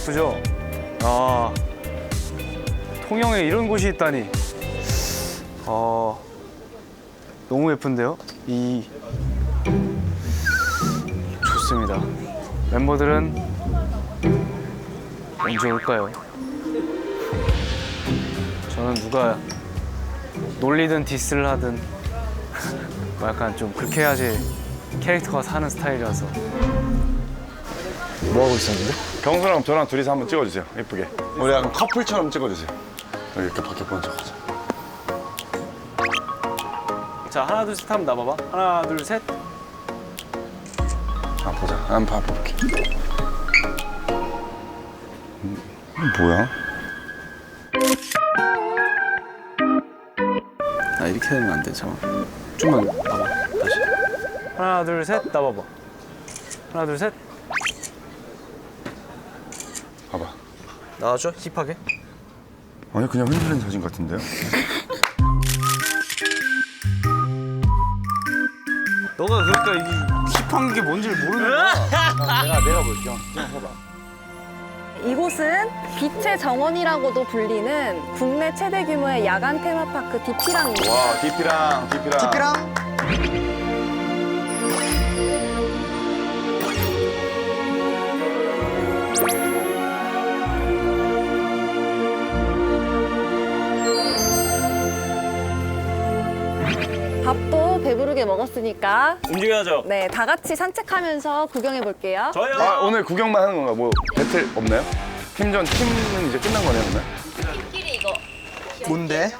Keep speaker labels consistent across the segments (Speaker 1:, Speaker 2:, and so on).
Speaker 1: 예쁘죠? 아, 통영에 이런 곳이 있다니. 너무 예쁜데요? 좋습니다. 멤버들은 언제 올까요? 저는 누가 놀리든 디스를 하든 뭐 약간 좀 그렇게 해야지 캐릭터가 사는 스타일이라서.
Speaker 2: 뭐 하고 있었는데?
Speaker 3: 경수랑 저랑 둘이서 한번 찍어주세요. 예쁘게. 우리 약간 커플처럼 찍어주세요. 여기 이렇게 밖에 먼저 가자.
Speaker 1: 자, 하나 둘 셋 하면 나봐봐. 하나 둘 셋.
Speaker 3: 아 보자. 한번 봐볼게. 뭐야?
Speaker 1: 아, 이렇게 되면 안 돼. 잠깐. 좀만 봐봐. 다시. 하나 둘 셋. 나봐봐. 하나 둘 셋.
Speaker 3: 봐봐.
Speaker 1: 나와줘. 힙하게.
Speaker 3: 아니 그냥 흔들린 사진 같은데요?
Speaker 1: 너가 그러니까 이 힙한 게 뭔지를 모르는 거야. 내가 볼게. 좀 해봐.
Speaker 4: 이곳은 빛의 정원이라고도 불리는 국내 최대 규모의 야간 테마파크 디피랑입니다.
Speaker 3: 와 디피랑.
Speaker 2: 디피랑
Speaker 4: 밥도 배부르게 먹었으니까
Speaker 5: 움직여야죠.
Speaker 4: 네, 다 같이 산책하면서 구경해 볼게요.
Speaker 5: 저요.
Speaker 3: 아 오늘 구경만 하는 건가? 뭐 배틀 없나요? 팀전 팀은 이제 끝난 거네요, 그러면?
Speaker 2: 뭔데?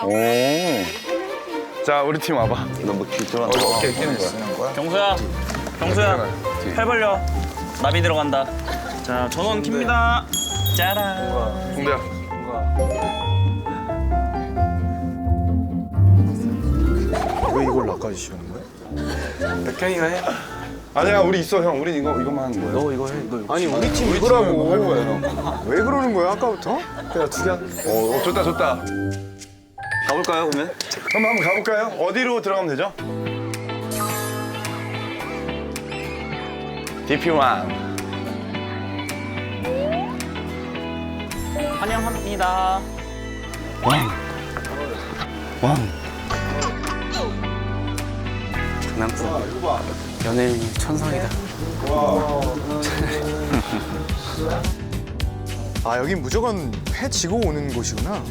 Speaker 3: 오. 자 우리 팀 와봐. 너뭐 뒤돌아. 오케이 뛰는 거야.
Speaker 5: 경수야, 경수야, 팔 벌려. 나비 들어간다. 자, 전원 킵니다. 짜란.
Speaker 3: 동대야.
Speaker 2: 왜 이걸 나까지 씌우는 거야?
Speaker 1: 백현이가 해.
Speaker 3: 아니야 우리 있어 형. 우린 이거만 하는 거야.
Speaker 1: 너 이거 해. 너 이거.
Speaker 2: 아니 우리 팀
Speaker 3: 우리
Speaker 2: 이거라고
Speaker 3: 할 거야 형.
Speaker 2: 왜 그러는 거야 아까부터? 그냥 두개
Speaker 3: 오 좋다 좋다.
Speaker 5: 가볼까요, 그러면?
Speaker 3: 그럼 한번 가볼까요? 어디로 들어가면 되죠? DP1.
Speaker 5: 환영합니다.
Speaker 3: 왕.
Speaker 1: 장난감. 연예인 천상이다.
Speaker 2: 아 여긴 무조건 회 지고 오는 곳이구나.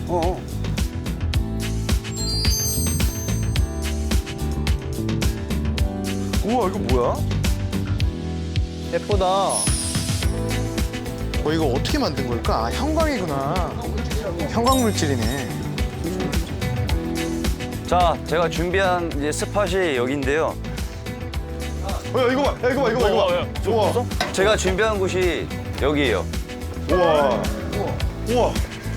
Speaker 3: 우와 이거 뭐야?
Speaker 1: 예쁘다.
Speaker 2: 이거 어떻게 만든 걸까? 아, 형광이구나. 형광 물질이네.
Speaker 6: 자, 제가 준비한 이제 스팟이 여기인데요.
Speaker 3: 야 이거 봐. 야 이거 봐. 이거 봐. 이거 봐. 우와.
Speaker 6: 제가 준비한 곳이 여기예요.
Speaker 3: 우와. 우와.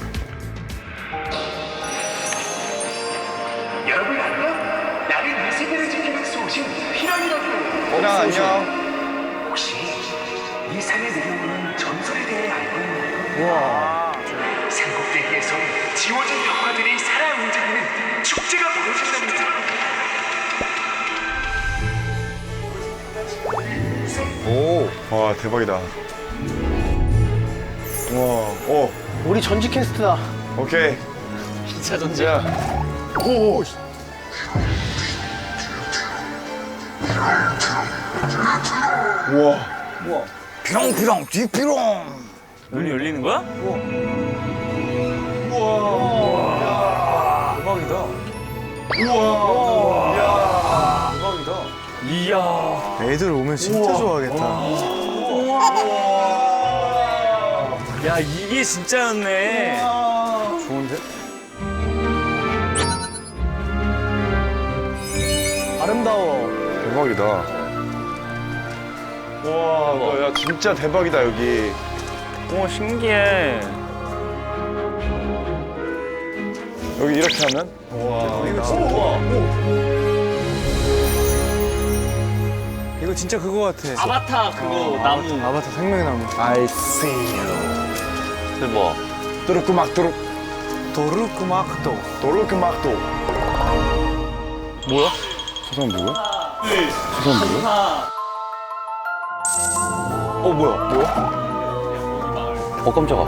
Speaker 7: 여러분 안녕? 나는 이 세계를 지키는 소신 피랑이라고.
Speaker 3: 형 안녕.
Speaker 7: 혹시 이 산에 내려오는 전설에 대해 알고 있나요? 산꼭대기에서 지워진 벽화들이 살아 움직이는 축제가 벌어진답니다.
Speaker 3: 와 대박이다. 우와.
Speaker 2: 우리 전직 캐스트다.
Speaker 3: 오케이.
Speaker 5: 2차 전쟁.
Speaker 3: 오. 우와.
Speaker 6: 피렁피렁 뒤피렁.
Speaker 5: 눈이 열리는 거야?
Speaker 1: 대박이다.
Speaker 3: 우와.
Speaker 1: 대박이다.
Speaker 5: 이야.
Speaker 2: 애들 오면 진짜 좋아하겠다.
Speaker 5: 야, 이게 진짜였네.
Speaker 1: 좋은데?
Speaker 2: 아름다워.
Speaker 3: 대박이다. 와, 야 진짜 대박이다 여기.
Speaker 5: 오, 신기해.
Speaker 3: 여기 이렇게 하면?
Speaker 2: 이거 진짜 그거 같아.
Speaker 5: 아바타 그거 나무.
Speaker 2: 아바타 생명나무.
Speaker 3: I see you.
Speaker 6: 대박.
Speaker 3: 뚜루꾸막 뚜루.
Speaker 2: 도르크마크도.
Speaker 3: 도루꾸막도. 뭐야? 저 사람 누구야? 저 사람 누구야?
Speaker 5: 아,
Speaker 3: 뭐야? 뭐야?
Speaker 6: 깜짝아.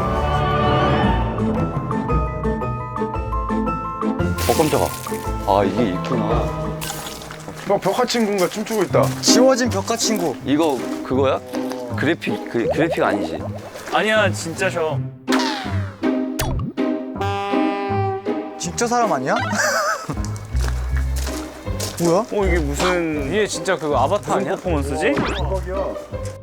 Speaker 6: 깜짝아. 아, 이게 있구나.
Speaker 3: 벽화 친구인가 춤추고 있다.
Speaker 2: 지워진 벽화 친구.
Speaker 6: 이거 그거야? 그래픽 아니지?
Speaker 5: 아니야 진짜 셔.
Speaker 2: 진짜 사람 아니야? 뭐야?
Speaker 5: 이게 무슨
Speaker 1: 이게 진짜 그거 아바타 아니야?
Speaker 5: 퍼포먼스지?